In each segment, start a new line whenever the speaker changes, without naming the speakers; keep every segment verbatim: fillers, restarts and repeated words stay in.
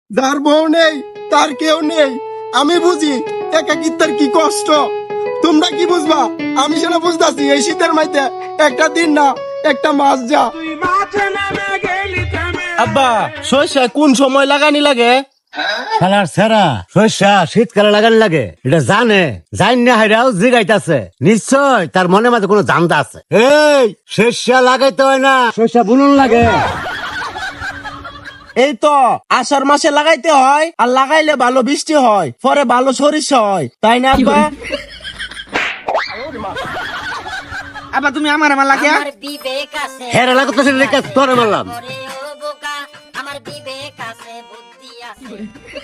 যার বউ নেই তার কেউ নেই, আমি বুঝি একাকিত্বের কি কষ্ট। তোমরা কি বুঝবা? আমি সেটা বুঝতেছি। এই শীতের মাইতে একটা দিন না একটা মাস যা। আব্বা সরষে কোন সময় লাগানি লাগে?
খেলার সেরা শস্যা শীতকালে লাগানি লাগে, এটা জানে জান না হাইরাও জিগাইতাছে। নিশ্চয় তার মনে মাঝে কোনো জানতা আছে। এই শস্যা লাগাইতে হয় না, শস্যা বুনন লাগে।
এই তো আষাঢ় মাসে লাগাইতে হয়, আর লাগাইলে ভালো বৃষ্টি হয়, পরে ভালো সরিষা হয়, তাই না আব্বা?
আবার তুমি আমার আমার লাগে
আমার বিবেক আছে
হেরা লাগাইতেছে লেখা তোরে মারলাম।
ওরে ও বোকা, আমার বিবেক আছে বুদ্ধি আছে।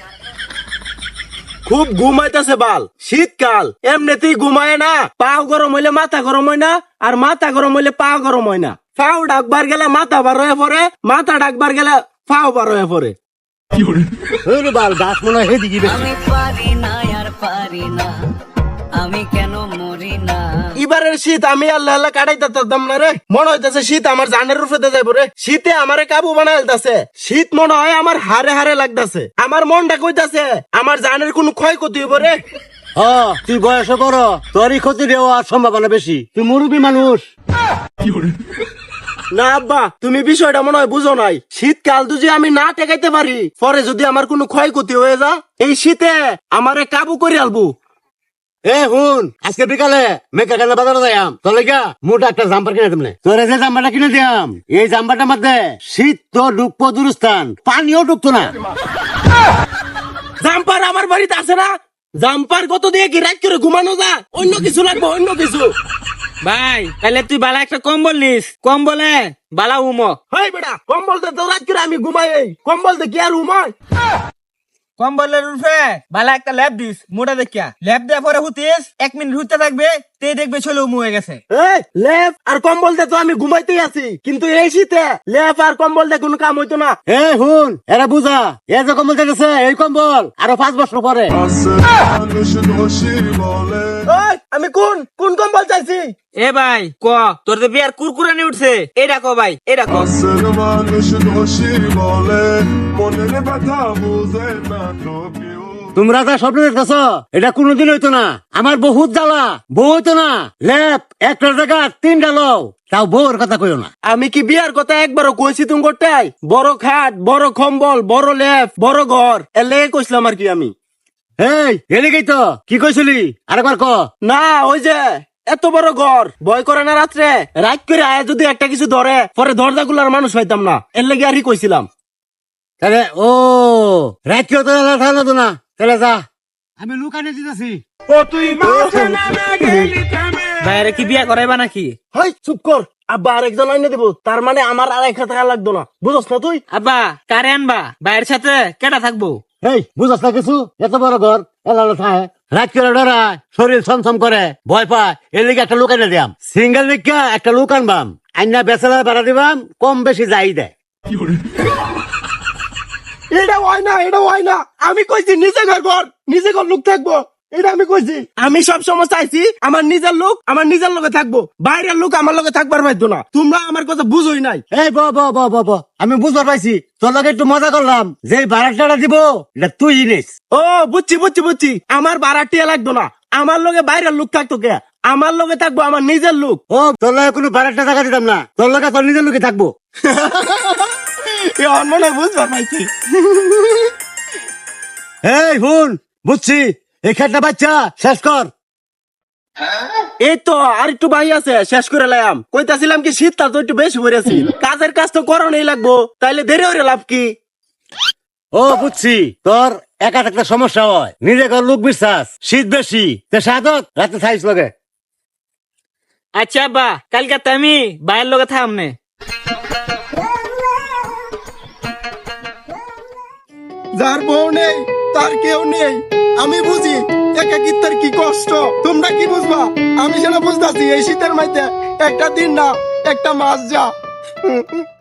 খুব ঘুমাইতেছে বাল, শীতকাল এমনিতেই ঘুমায় না। পাও গরম হইলে মাথা গরম হয় না, আর মাথা গরম হইলে পা গরম হয় না। পাও ডাকবার গেলে মাথা বার হয়ে পড়ে, মাথা ডাকবার গেলে পাও বার হয়ে পড়ে।
ওরে বাল গাছ মনে হয় হেদিকে বেশি।
আমি পারি না আর পারি না, আমি কেন মরি না।
এবারের শীত আমি আল্লাহ আল্লাহ কাটাইতে পারতাম না রে। মনে হইতেছে শীত আমার জানের রূপে যাইব রে। শীতে আমারে কাবু বানাইতেছে। শীত মনে হয় আমার হারে হারে লাগতেছে। আমার মনটা কইতাছে আমার জানের কোনো ক্ষয়ক্ষতি হইব রে।
হ তুই বয়স বড়, তোরই ক্ষতি দেওয়ার সম্ভাবনা বেশি। তুই মুরব্বী মানুষ।
না আব্বা, তুমি বিষয়টা মনে হয় বুঝো নাই। শীতকাল যদি আমি না টেকাইতে পারি, পরে যদি আমার কোনো ক্ষয়ক্ষতি হয়ে যা, এই শীতে আমারে কাবু করে আলবো।
এ হুন, আজকে বিকালে মেকা কেন বাজারে যাইয়াম, তোর লেগা মোটা একটা জাম্পার কিনে দিমনে। তোরে যে জাম্পারটা কিনে দিয়াম, এই জাম্পারটার মধ্যে শীত তো ঢুকবো দুরস্থান, পানিও ঢুকতো না।
জাম্পার আমার বাড়িতে আছে না? জাম্পার কত দিয়ে কি রাত করে ঘুমানো যা? অন্য কিছু লাগবে, অন্য কিছু।
ভাই তাহলে তুই বালা একটা কম্বল নিস, কম্বলে বালা উমো।
হেই বেটা, কম্বল দে তো, রাত করে আমি ঘুমাই। এই কম্বল দে কি আর ঘুমাই?
কম্বলের উঠে বালা একটা ল্যাব দিস, মোটা দেখিয়া ল্যাব দেওয়ার পরে হুতিস এক মিনিট হুতে থাকবে, তে দেখবে চলে উমু হয়ে গেছে।
এই লেপ আর কম্বল দে তো আমি ঘুমাইতেই আছি, কিন্তু এই শীতে লেপ আর কম্বল দে কোনো কাম হইতো না।
এ হুন, এরা বুঝা, এ যে কম্বল চাইতেছে এই কম্বল আরো পাঁচ বছর পরে।
ওই আমি কোন কোন কম্বল চাইছি?
এ ভাই ক তোর তো বিয়ার কুরকুরানি উঠছে, এটা ক ভাই, এটা ক।
তোমরা যা স্বপ্ন দেখতেছ এটা কোনোদিন হইতো না। আমার বহুত জ্বালা, বউ হইতো না। লেপ একটা জায়গা তিনটা লও, তাও বউর কথা কইও না।
আমি কি বিয়ার কথা একবারও কইছি তুমি করতেই? বড় খাট, বড় কম্বল, বড় লেপ, বড় ঘর, এর লেগে কইছিলাম আর কি আমি।
এই এদিকেই তো কি কইছিলি, আরেকবার ক।
না ওই যে এত বড় ঘর ভয় করে না রাত্রে, রাত করে আয় যদি একটা কিছু ধরে, পরে দরজা গুলার মানুষ পাইতাম না, এর লেগে আর কি কইছিলাম।
তাহলে ও রাত কেউ তো থাকলো তো না, তাহলে যা আমি লুকানে দিতেছি।
ভাইরে কি বিয়া করাইবা নাকি?
হাই চুপ কর, আব্বা আরেকজন আইনে দেবো, তার মানে আমার আর এক টাকা লাগতো না, বুঝছ না তুই?
আব্বা কারে আনবা, ভাইয়ের সাথে কেটা থাকবো?
এই বুঝাস না কিছু, এত বড় ঘর এলালো থাকে, রাত করে ডরায়, শরীর ছমছম করে, ভয় পায়, এর লিগে একটা লুকানে দিয়াম। সিঙ্গেল লিখা একটা লুক আনবাম, আইনা বেচারা ভাড়া দিবাম, কম বেশি যাই দেয়।
এটা হয় না, এটা হয় না। আমি কইছি নিজে ঘর ঘর নিজে ঘর লোক থাকবো, এটা আমি কইছি। আমি সব সময় চাইছি আমার নিজের লোক আমার নিজের লোকে থাকবো, বাইরের লোক আমার লোকে থাকবার পাইতো না। তোমরা আমার কথা বুঝোই নাই।
এই ব ব ব ব ব আমি বুঝতে পাইছি, তোর লগে একটু মজা করলাম, যে ভাড়াটা দিব এটা তুই নিস।
ও বুঝছি বুঝছি বুঝছি, আমার ভাড়াটিয়া লাগতো না, আমার লোকে বাইরের লোক থাকতো কে? আমার লোকে থাকবো আমার নিজের লোক।
ও তোর লগে কোনো ভাড়াটা টাকা দিতাম না, তোর লগে তোর নিজের লোকে থাকবো।
এখন মনে হয় বুঝবার পাইছি।
এই হুন, বুঝছি, এই খেটটা বাচ্চা শেষ কর।
এই তো আর একটু বাই আছে, শেষ করে লাম। কইতাছিলাম কি শীতটা তো একটু বেশি পড়েছি, কাজের কাজ তো করণেই লাগবো, তাইলে দেরি হইরে লাভ কি?
ও বুঝছি, তোর একা একটা সমস্যা হয়, নিজে কর লোক বিশ্বাস, শীত বেশি, তে সাধক রাতে থাইস লগে।
আচ্ছা আব্বা, কালকে তো আমি ভাইয়ের লগে থামনে।
যার বউ নেই তার কেউ নেই, আমি বুঝি একাকিত্বের কি কষ্ট। তোমরা কি বুঝবা? আমি সেটা বুঝতেছি। এই শীতের মাইতে একটা দিন না একটা মাস যা।